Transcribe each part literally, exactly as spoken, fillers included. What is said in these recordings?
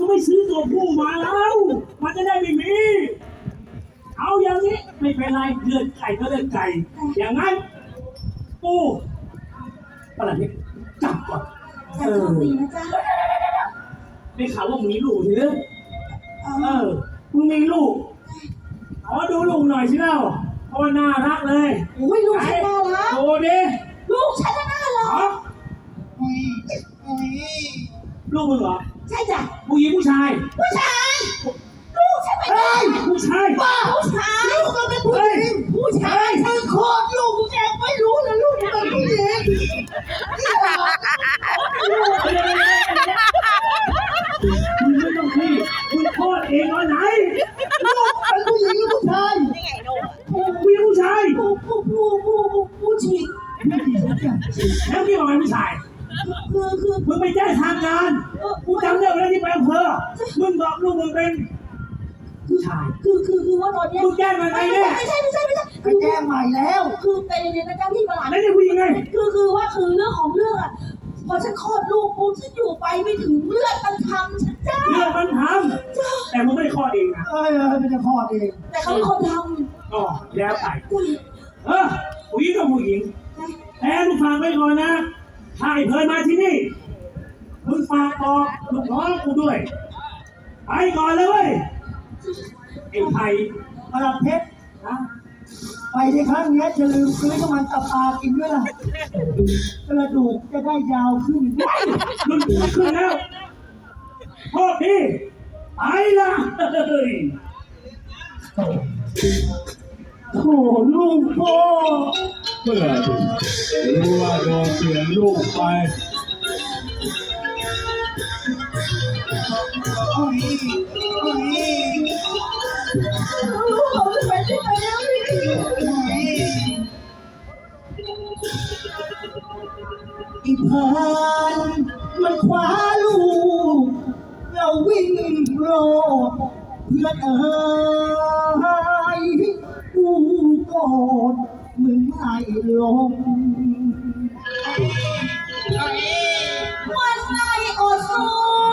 ไม่ซื้อตัวผู้มาแล้วมันจะได้ไม่มีเอาอย่างนี้ไม่เป็นไรเลือดไก่ก็เลือดไก่อย่างนั้นปูประหลัดนี่จับก่อนแต่โชคดีนะจ๊ะได้ข่าวว่ามึงมีลูกใช่ไหมเออมึงมีลูกขอดูลูกหน่อยสิเล่าเพราะว่าน่ารักเลยโอ้ยลูกฉันน่ารักโอ้ดิลูกฉันน่ารักลูกมึงเหรอใช่จ้ะผู้หญิงผู้ชายผู้ชายลูกฉันเป็นผู้ชายบ้าผู้ชายลูกก็เป็นผู้หญิงผู้ชายฉันโคตรลูกแกไม่รู้เลยลูกเป็นผู้หญิงคุณไม่ต้องพี่คุณโคตรเองตอนไหนลูกเป็นผู้หญิงหรือผู้ชายนี่ไงลูกผู้หญิงผู้ชายผู้ผู้ผู้ผู้ผู้หญิงแล้วพี่บอกเป็นผู้ชายคือคือมึงไปแจ้งทางการกูจำได้แล้วที่ไปอำเภอมึงบอกลูกมึงเป็นผู้ชายคือคือคือว่าตอนนี้มึงแจ้งมาไงเนี่ยไม่ใช่ไม่ใช่ไม่ใช่คือแจ้งใหม่แล้วคือเป็นเรียนนะเจ้าที่ประหลาดแล้วนี่ผู้หญิงไงคือคือว่าคือเรื่องของเรื่องอ่ะพอฉันคลอดลูกปุ๊บฉันอยู่ไปไม่ถึงเลือดมันทำฉันจ้าเลือดมันทำแต่มึงไม่ได้คลอดเองนะเออไม่ได้คลอดเองแต่เขาเป็นคนทำอ๋อแล้วไปเออผู้หญิงกับผู้หญิงแต่มึงฟังไว้ก่อนนะถ้าไอ้เพลินมาที่นี่มึงฝากบอกลูกน้องกูด้วยไปก่อนเลยเว้ยไอ้ไผ่ประหลัดเพชรนะไปในครั้งนี้จะลืมซื้อน้ำมันตับปลากินด้วยล่ะกระดูกจะได้ยาวขึ้นรุ่นขึ้นแล้วโทษทีไปละเฮ้ยโถ่ลูกพ่อเมื่อรู้ว่าโดนเสียลูกไปลูกเขาจะไปที่ไหนแล้วอีพานมันคว้าลูกเราวิ่งโลดเพื่อนเอ๋ยกูโกรธมึงไม่ลงวันไหนอดสู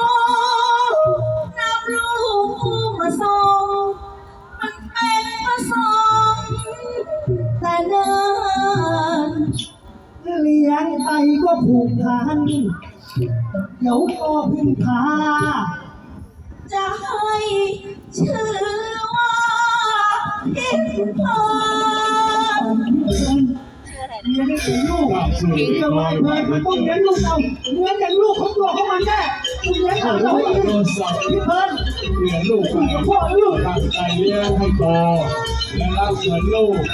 นับลูกมาส่งมันเป็นมาส่งแต่เดินเลี้ยงไปก็ผูกพันเดี๋ยวก็พึ่งพาจะให้ชื่อว่าพิมพาเลี้ยงให้เป็นลูกเลี้ยงไว้เลยมันต้องเลี้ยงลูกเราเลี้ยงอย่างลูกของตัวของมันแน่เลี้ยงของเราเองพี่เพิ่นเลี้ยงลูกกับพ่อลูกตั้งใจเลี้ยงให้โตและรักเหมือนลูก